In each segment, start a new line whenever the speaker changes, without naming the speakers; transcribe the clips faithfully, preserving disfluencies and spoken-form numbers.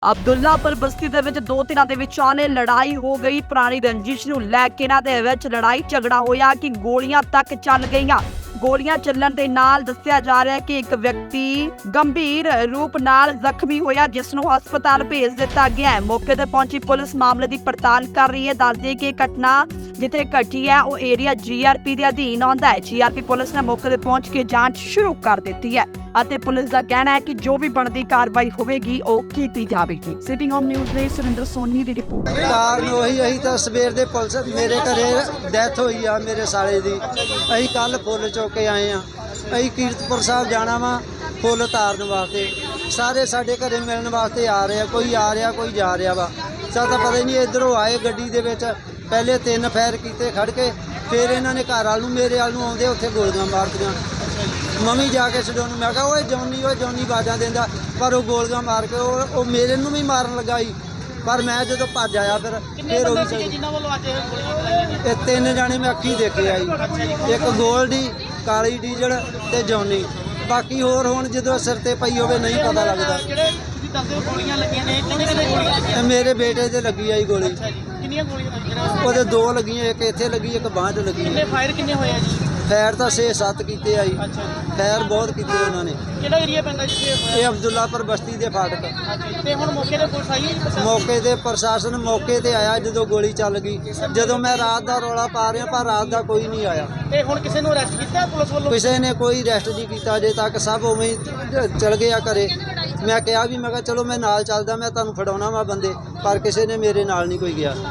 ਅਬਦੁੱਲਾਪੁਰ ਬਸਤੀ ਦੇ ਵਿੱਚ ਦੋ ਧਿਰਾਂ ਦੇ ਵਿਚਾਲੇ ਲੜਾਈ ਹੋ ਗਈ। ਪੁਰਾਣੀ ਰੰਜਿਸ਼ ਨੂੰ ਲੈ ਕੇ ਇਹਨਾਂ ਦੇ ਵਿੱਚ ਲੜਾਈ ਝਗੜਾ ਹੋਇਆ ਕਿ ਗੋਲੀਆਂ ਤੱਕ ਚੱਲ ਗਈਆਂ। ਗੋਲੀਆਂ ਚੱਲਣ ਦੇ ਨਾਲ ਦੱਸਿਆ ਜਾ ਰਿਹਾ ਹੈ ਕਿ ਇੱਕ ਵਿਅਕਤੀ ਗੰਭੀਰ ਰੂਪ ਨਾਲ ਜ਼ਖਮੀ ਹੋਇਆ, ਜਿਸ ਨੂੰ ਹਸਪਤਾਲ ਭੇਜ ਦਿੱਤਾ ਗਿਆ ਹੈ। ਮੌਕੇ ਤੇ ਪਹੁੰਚੀ ਪੁਲਿਸ ਮਾਮਲੇ ਦੀ ਪੜਤਾਲ ਕਰ ਰਹੀ ਹੈ। ਦੱਸਦੇ ਕਿ ਇਹ ਘਟਨਾ ਜਿੱਥੇ ਘਟੀ ਹੈ ਉਹ ਏਰੀਆ ਜੀਆਰਪੀ ਦੇ ਅਧੀਨ ਆਉਂਦਾ ਹੈ। ਜੀਆਰਪੀ ਪੁਲਿਸ ਨੇ ਮੌਕੇ ਤੇ ਪਹੁੰਚ ਕੇ ਜਾਂਚ ਸ਼ੁਰੂ ਕਰ ਦਿੱਤੀ ਹੈ ਅਤੇ ਪੁਲਿਸ ਦਾ ਕਹਿਣਾ ਹੈ ਕਿ ਜੋ ਵੀ ਬਣਦੀ ਕਾਰਵਾਈ ਹੋਵੇਗੀ ਉਹ ਕੀਤੀ ਜਾਵੇਗੀ। ਸਿਟਿੰਗ ਹੋਮ ਨਿਊਜ਼ ਲਈ ਸੁਰਿੰਦਰ ਸੋਨੀ ਦੀ ਰਿਪੋਰਟ।
ਕਾਰਨ ਉਹੀ ਅਸੀਂ ਤਾਂ ਸਵੇਰ ਦੇ ਪੁਲਿਸ ਮੇਰੇ ਘਰੇ ਡੈਥ ਹੋਈ ਆ ਮੇਰੇ ਸਾਲੇ ਦੀ। ਅਸੀਂ ਕੱਲ ਫੁੱਲ ਚੁੱਕ ਕੇ ਆਏ ਆ। ਅਸੀਂ ਕੀਰਤਪੁਰ ਸਾਹਿਬ ਜਾਣਾ ਵਾ ਫੁੱਲ ਤਾਰਨ ਵਾਸਤੇ। ਸਾਰੇ ਸਾਡੇ ਘਰੇ ਮਿਲਣ ਵਾਸਤੇ ਆ ਰਹੇ ਆ, ਕੋਈ ਆ ਰਿਹਾ ਕੋਈ ਜਾ ਰਿਹਾ ਵਾ। ਸਾਨੂੰ ਤਾਂ ਪਤਾ ਹੀ ਨਹੀਂ। ਇੱਧਰੋਂ ਆਏ ਗੱਡੀ ਦੇ ਵਿੱਚ, ਪਹਿਲੇ ਤਿੰਨ ਫਾਇਰ ਕੀਤੇ ਖੜ ਕੇ, ਫਿਰ ਇਹਨਾਂ ਨੇ ਘਰ ਵਾਲ ਨੂੰ ਮੇਰੇ ਵਾਲ ਨੂੰ ਆਉਂਦੇ ਉੱਥੇ ਗੋਲੀਆਂ ਮਾਰਤੀਆਂ। ਮੰਮੀ ਜਾ ਕੇ ਛਡੋ ਨੂੰ ਮੈਂ ਕਿਹਾ ਓਏ ਜੌਨੀ ਓਏ ਜੌਨੀ ਆਵਾਜ਼ਾਂ ਦਿੰਦਾ, ਪਰ ਉਹ ਗੋਲੀਆਂ ਮਾਰ ਕੇ ਉਹ ਉਹ ਮੇਰੇ ਨੂੰ ਵੀ ਮਾਰਨ ਲੱਗਾ ਸੀ। ਪਰ ਮੈਂ ਜਦੋਂ ਭੱਜ ਆਇਆ ਫਿਰ ਫਿਰ ਉਹ ਵੀ
ਜਿਨ੍ਹਾਂ ਵੱਲੋਂ ਅੱਜ ਗੋਲੀਆਂ ਚਲਾਈਆਂ ਗਈਆਂ?
ਇਹ ਤਿੰਨ ਜਾਣੇ ਮੈਂ ਅੱਖੀ ਦੇਖੇ ਆ ਜੀ। ਇੱਕ ਗੋਲਡੀ, ਕਾਲੀ ਡੀਜ਼ਲ ਤੇ ਜੌਨੀ। ਬਾਕੀ ਹੋਰ ਹੁਣ ਜਦੋਂ ਸਿਰ ਤੇ ਪਈ ਹੋਵੇ ਨਹੀਂ ਪਤਾ ਲੱਗਦਾ।
ਜਿਹੜੇ ਤੁਸੀਂ ਦੱਸਦੇ ਹੋ ਗੋਲੀਆਂ ਲੱਗੀਆਂ ਨੇ, ਕਿੰਨੇ ਕਿੰਨੇ ਗੋਲੀਆਂ ਲੱਗੀਆਂ?
ਤੇ ਮੇਰੇ ਬੇਟੇ ਤੇ ਲੱਗੀ ਆਈ ਗੋਲੀ।
ਕਿੰਨੀਆਂ ਗੋਲੀਆਂ ਲੱਗੀਆਂ?
ਉਹਦੇ ਦੋ ਲੱਗੀਆਂ, ਇੱਕ ਇੱਥੇ ਲੱਗੀ ਇੱਕ ਬਾਂਹ 'ਚ ਲੱਗੀ।
ਕਿੰਨੇ ਫਾਇਰ ਕਿੰਨੇ ਹੋਏ ਆ ਜੀ?
ਫੈਰ ਤਾਂ ਛੇ ਸੱਤ ਕੀਤੇ ਆਈ।
ਅੱਛਾ ਜੀ।
ਫੈਰ ਬਹੁਤ ਕੀਤੇ ਉਹਨਾਂ ਨੇ।
ਕਿਹੜਾ ਏਰੀਆ ਪੈਂਦਾ ਜਿੱਥੇ
ਇਹ ਅਬਦੁੱਲਾਪੁਰ ਬਸਤੀ ਦੇ ਫਾਟਕ।
ਤੇ ਹੁਣ ਮੌਕੇ ਤੇ ਪੁਲਿਸ ਆਈ ਹੈ?
ਮੌਕੇ ਤੇ ਪ੍ਰਸ਼ਾਸਨ ਮੌਕੇ ਤੇ ਆਇਆ ਜਦੋਂ ਗੋਲੀ ਚੱਲ ਗਈ। ਜਦੋਂ ਮੈਂ ਰਾਤ ਦਾ ਰੌਲਾ ਪਾ ਰਿਹਾ ਪਰ ਰਾਤ ਦਾ ਕੋਈ ਨਹੀਂ ਆਇਆ।
ਤੇ ਹੁਣ ਕਿਸੇ ਨੂੰ ਅਰੈਸਟ ਕੀਤਾ ਪੁਲਿਸ ਵੱਲੋਂ?
ਕਿਸੇ ਨੇ ਕੋਈ ਅਰੈਸਟ ਨਹੀਂ ਕੀਤਾ ਅਜੇ ਤੱਕ। ਸਭ ਉਵੇਂ ਹੀ ਚਲ ਗਿਆ ਘਰੇ। ਮੈਂ ਕਿਹਾ ਵੀ ਮੈਂ ਕਿਹਾ ਚਲੋ ਮੈਂ ਨਾਲ ਚੱਲਦਾ, ਮੈਂ ਤੁਹਾਨੂੰ ਫੜਾਉਣਾ ਵਾ ਬੰਦੇ, ਪਰ ਕਿਸੇ ਨੇ ਮੇਰੇ ਨਾਲ ਨਹੀਂ ਕੋਈ ਗਿਆ।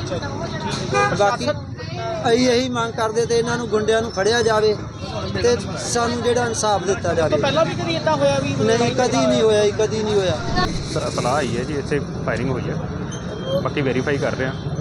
ਬਾਕੀ ਅਸੀਂ ਇਹੀ ਮੰਗ ਕਰਦੇ ਤੇ ਇਹਨਾਂ ਨੂੰ ਗੁੰਡਿਆਂ ਨੂੰ ਫੜਿਆ ਜਾਵੇ ਤੇ ਸਾਨੂੰ ਜਿਹੜਾ ਇਨਸਾਫ ਦਿੱਤਾ ਜਾਵੇ।
ਪਹਿਲਾਂ ਵੀ ਕਦੀ ਇਦਾਂ ਹੋਇਆ ਵੀ?
ਨਹੀਂ, ਕਦੀ ਨਹੀਂ ਹੋਇਆ ਜੀ, ਕਦੀ ਨਹੀਂ ਹੋਇਆ।
ਸਰ ਇਤਲਾਹ ਆਈ ਹੈ ਜੀ ਇੱਥੇ ਫਾਇਰਿੰਗ ਹੋਈ ਹੈ, ਬਾਕੀ ਵੈਰੀਫਾਈ ਕਰ ਰਹੇ ਹਾਂ।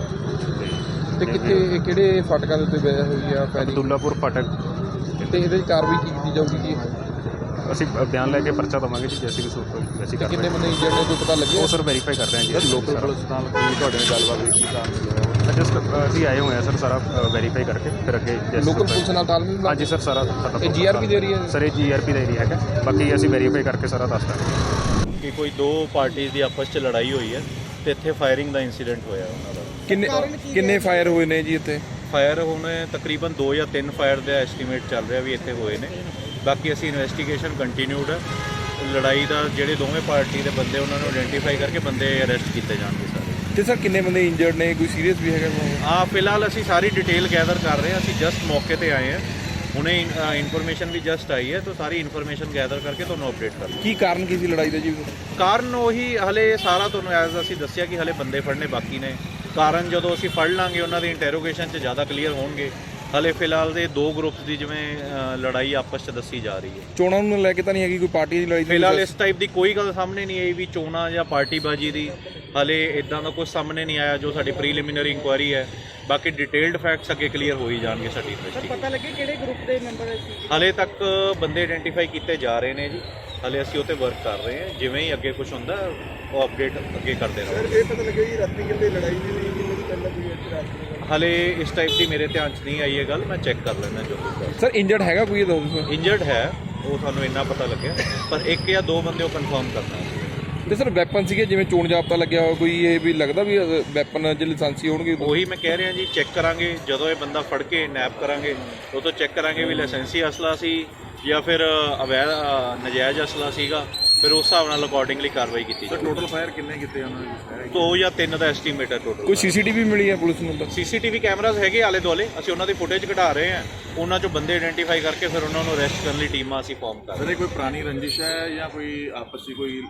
ਤੇ ਕਿੱਥੇ ਕਿਹੜੇ ਫਾਟਕਾਂ ਦੇ ਉੱਤੇ ਵਜ੍ਹਾ ਹੋਈ ਆ ਫਾਇਰਿੰਗ?
ਅਬਦੁੱਲਾਪੁਰ ਫਾਟਕ।
ਤੇ ਇਹਦੇ 'ਚ ਕਾਰਵਾਈ ਕੀ ਕੀਤੀ ਜਾਊਗੀ? ਕੀ
ਅਸੀਂ ਬਿਆਨ ਲੈ ਕੇ ਪਰਚਾ ਦੇਵਾਂਗੇ ਜੀ, ਜੈਸੀ ਵੀ ਸੂਰਤ ਹੋਈ ਵੈਸੀ
ਕਿੰਨੇ
ਕਾਰਵਾਈ।
ਬੰਦੇ ਇੰਜਰਡ ਨੇ, ਕੋਈ ਪਤਾ ਲੱਗਿਆ?
ਉਹ ਸਰ ਵੈਰੀਫਾਈ ਕਰ ਰਹੇ ਹਾਂ ਜੀ।
ਲੋਕਲ ਪੁਲਿਸ ਨਾਲ ਕੀ ਤੁਹਾਡੇ ਨਾਲ ਗੱਲਬਾਤ ਹੋਈ? ਕੀ ਕਾਰਨ
ਜਸਟ ਅਸੀਂ ਆਏ ਹੋਏ ਹਾਂ ਸਰ, ਸਾਰਾ ਵੈਰੀਫਾਈ ਕਰਕੇ ਫਿਰ ਅੱਗੇ ਜੈਸੀ
ਲੋਕਲ ਪੁਲਿਸ ਨਾਲ ਤਾਲਮੇਲ?
ਹਾਂਜੀ ਸਰ, ਸਾਰਾ
ਇਹ ਜੀਆਰਪੀ ਦੇ ਏਰੀਆ?
ਸਰ ਇਹ ਜੀਆਰਪੀ ਦਾ ਏਰੀਆ ਹੈਗਾ। ਬਾਕੀ ਅਸੀਂ ਵੈਰੀਫਾਈ ਕਰਕੇ ਸਾਰਾ ਦੱਸ ਦਾਂਗੇ
ਕਿ ਕੋਈ ਦੋ ਪਾਰਟੀਆਂ ਦੀ ਆਪਸ 'ਚ ਲੜਾਈ ਹੋਈ ਹੈ ਤੇ ਇੱਥੇ ਫਾਇਰਿੰਗ ਦਾ ਇਨਸੀਡੈਂਟ ਹੋਇਆ ਉਹਨਾਂ ਦਾ।
ਕਿੰਨੇ ਕਿੰਨੇ ਫਾਇਰ ਹੋਏ ਨੇ ਜੀ ਇੱਥੇ?
ਫਾਇਰ ਹੁਣ ਤਕਰੀਬਨ ਦੋ ਜਾਂ ਤਿੰਨ ਫਾਇਰ ਦਾ ਐਸਟੀਮੇਟ ਚੱਲ ਰਿਹਾ ਵੀ ਇੱਥੇ ਹੋਏ ਨੇ। ਬਾਕੀ ਅਸੀਂ ਇਨਵੈਸਟੀਗੇਸ਼ਨ ਕੰਟੀਨਿਊਡ ਹੈ। ਲੜਾਈ ਦਾ ਜਿਹੜੇ ਦੋਵੇਂ ਪਾਰਟੀ ਦੇ ਬੰਦੇ ਉਹਨਾਂ ਨੂੰ ਆਇਡੈਂਟੀਫਾਈ ਕਰਕੇ ਬੰਦੇ ਅਰੈਸਟ ਕੀਤੇ ਜਾਣਗੇ ਸਾਰੇ।
ਤੇ ਸਰ ਕਿੰਨੇ ਬੰਦੇ ਇੰਜਰਡ ਨੇ, ਕੋਈ ਸੀਰੀਅਸ ਵੀ ਹੈਗਾ?
ਹਾਂ, ਫਿਲਹਾਲ ਅਸੀਂ ਸਾਰੀ ਡਿਟੇਲ ਗੈਦਰ ਕਰ ਰਹੇ ਹਾਂ। ਅਸੀਂ ਜਸਟ ਮੌਕੇ ਤੇ ਆਏ ਹਾਂ, ਹੁਣੇ ਇਨਫੋਰਮੇਸ਼ਨ ਵੀ ਜਸਟ ਆਈ ਹੈ, ਤਾਂ ਸਾਰੀ ਇਨਫੋਰਮੇਸ਼ਨ ਗੈਦਰ ਕਰਕੇ ਤੁਹਾਨੂੰ ਅਪਡੇਟ ਕਰ
ਕੀ ਕਾਰਨ ਕੀ ਸੀ ਲੜਾਈ ਦਾ ਜੀ?
ਕਾਰਨ ਉਹੀ ਹਲੇ ਸਾਰਾ ਤੁਹਾਨੂੰ ਐਜ਼ ਅਸੀਂ ਦੱਸਿਆ ਕਿ ਹਲੇ ਬੰਦੇ ਫੜਨੇ ਬਾਕੀ ਨੇ। ਕਾਰਨ ਜਦੋਂ ਅਸੀਂ ਫੜ ਲਾਂਗੇ ਉਹਨਾਂ ਦੀ ਇੰਟਰੋਗੇਸ਼ਨ 'ਚ ਜ਼ਿਆਦਾ ਕਲੀਅਰ ਹੋਣਗੇ। ਹਲੇ ਫਿਲਹਾਲ ਦੇ ਦੋ ਗਰੁੱਪਸ ਦੀ ਜਿਵੇਂ ਲੜਾਈ ਆਪਸ 'ਚ ਦੱਸੀ ਜਾ ਰਹੀ ਹੈ।
ਚੋਣਾਂ ਨੂੰ ਲੈ ਕੇ ਤਾਂ ਨਹੀਂ ਹੈਗੀ ਕੋਈ ਪਾਰਟੀ ਦੀ ਲੜਾਈ?
ਫਿਲਹਾਲ ਇਸ ਟਾਈਪ ਦੀ ਕੋਈ ਗੱਲ ਸਾਹਮਣੇ ਨਹੀਂ ਆਈ ਵੀ ਚੋਣਾਂ ਜਾਂ ਪਾਰਟੀਬਾਜ਼ੀ ਦੀ। ਹਲੇ ਇਦਾਂ ਦਾ ਕੁਝ ਸਾਹਮਣੇ ਨਹੀਂ ਆਇਆ ਜੋ ਸਾਡੀ ਪ੍ਰੀਲਿਮਿਨਰੀ ਇਨਕੁਆਇਰੀ ਹੈ। ਬਾਕੀ ਡਿਟੇਲਡ ਫੈਕਟਸ ਅੱਗੇ ਕਲੀਅਰ ਹੋ ਹੀ ਜਾਣਗੇ ਸਾਡੀ ਇਨਵੈਸਟੀਗੇਸ਼ਨ।
ਪਤਾ ਲੱਗੇ ਕਿਹੜੇ ਗਰੁੱਪ ਦੇ ਮੈਂਬਰ ਸੀ?
ਹਲੇ ਤੱਕ ਬੰਦੇ ਆਇਡੈਂਟੀਫਾਈ ਕੀਤੇ ਜਾ ਰਹੇ ਨੇ ਜੀ। ਹਲੇ ਅਸੀਂ ਉਹ 'ਤੇ ਵਰਕ ਕਰ ਰਹੇ ਹਾਂ। ਜਿਵੇਂ ਹੀ ਅੱਗੇ ਕੁਝ ਹੁੰਦਾ ਉਹ ਅਪਡੇਟ ਅੱਗੇ ਕਰਦੇ ਰਹਾਂਗੇ।
ਇਹ ਪਤਾ ਲੱਗਿਆ ਜੀ ਰਾਤੀ ਕਿੰਨੇ ਲੜਾਈ ਵੀ ਨਹੀਂ ਕਿੰਨੇ ਦੀ ਪਹਿਲਾਂ ਕੋਈ ਰਾਤ?
ਹਲੇ ਇਸ ਟਾਈਪ ਦੀ ਮੇਰੇ ਧਿਆਨ 'ਚ ਨਹੀਂ ਆਈ ਇਹ ਗੱਲ, ਮੈਂ ਚੈੱਕ ਕਰ ਲੈਣਾ ਜੋ ਕੁਝ।
ਸਰ ਇੰਜਰਡ ਹੈਗਾ ਕੋਈ? ਇਹ ਦੱਸੋ।
ਇੰਜਰਡ ਹੈ ਉਹ ਤੁਹਾਨੂੰ ਇੰਨਾ ਪਤਾ ਲੱਗਿਆ, ਪਰ ਇੱਕ ਜਾਂ ਦੋ ਬੰਦੇ ਉਹ ਕਨਫਰਮ ਕਰਨਾ।
ਤੇ ਸਰ ਵੈਪਨ ਸੀਗੇ ਜਿਵੇਂ ਚੋਣ ਜਾਬਤਾ ਲੱਗਿਆ ਹੋਇਆ ਕੋਈ? ਇਹ ਵੀ ਲੱਗਦਾ ਵੀ ਵੈਪਨ ਜੇ ਲਾਇਸੈਂਸੀ ਹੋਣਗੇ?
ਉਹੀ ਮੈਂ ਕਹਿ ਰਿਹਾ ਜੀ, ਚੈੱਕ ਕਰਾਂਗੇ ਜਦੋਂ ਇਹ ਬੰਦਾ ਫੜ ਕੇ ਨੈਪ ਕਰਾਂਗੇ ਉਹ ਤੋਂ ਚੈੱਕ ਕਰਾਂਗੇ ਵੀ ਲਾਇਸੈਂਸੀ ਅਸਲਾ ਸੀ ਜਾਂ ਫਿਰ ਅਵੈਧ ਨਜਾਇਜ਼ ਅਸਲਾ ਸੀਗਾ। ਫਿਰ ਉਸ ਹਿਸਾਬ ਨਾਲ ਅਕੋਰਡਿੰਗਲੀ ਕਾਰਵਾਈ ਕੀਤੀ ਜਾਵੇ।
ਟੋਟਲ ਫਾਇਰ ਕਿੰਨੇ ਕੀਤੇ ਉਹਨਾਂ ਨੇ?
ਦੋ ਜਾਂ ਤਿੰਨ ਦਾ ਐਸਟੀਮੇਟ ਹੈ ਟੋਟਲ।
ਕੋਈ ਸੀਸੀਟੀਵੀ ਮਿਲੀ ਹੈ ਪੁਲਿਸ ਨੂੰ?
ਸੀਸੀਟੀਵੀ ਕੈਮਰਾਜ਼ ਹੈਗੇ ਆਲੇ ਦੁਆਲੇ, ਅਸੀਂ ਉਹਨਾਂ ਦੀ ਫੁਟੇਜ ਕਢਾ ਰਹੇ ਹਾਂ। ਉਹਨਾਂ 'ਚੋਂ ਬੰਦੇ ਆਇਡੈਂਟੀਫਾਈ ਕਰਕੇ ਫਿਰ ਉਹਨਾਂ ਨੂੰ ਅਰੈਸਟ ਕਰਨ ਲਈ ਟੀਮਾਂ ਅਸੀਂ ਫਾਰਮ ਕਰ ਰਹੇ ਹਾਂ।
ਕੋਈ ਪੁਰਾਣੀ ਰੰਜਿਸ਼ ਹੈ ਜਾਂ ਕੋਈ ਆਪਸੀ ਕੋਈ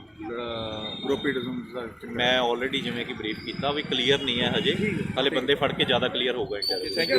ਗਰੁੱਪਿਜ਼ਮ ਦਾ?
ਮੈਂ ਆਲਰੇਡੀ ਜਿਵੇਂ ਕਿ ਬਰੀਫ ਕੀਤਾ ਵੀ ਕਲੀਅਰ ਨਹੀਂ ਹੈ ਹਜੇ। ਹਾਲੇ ਬੰਦੇ ਫੜ ਕੇ ਜ਼ਿਆਦਾ ਕਲੀਅਰ ਹੋਊਗਾ ਇੰਟਰਵਿਊ।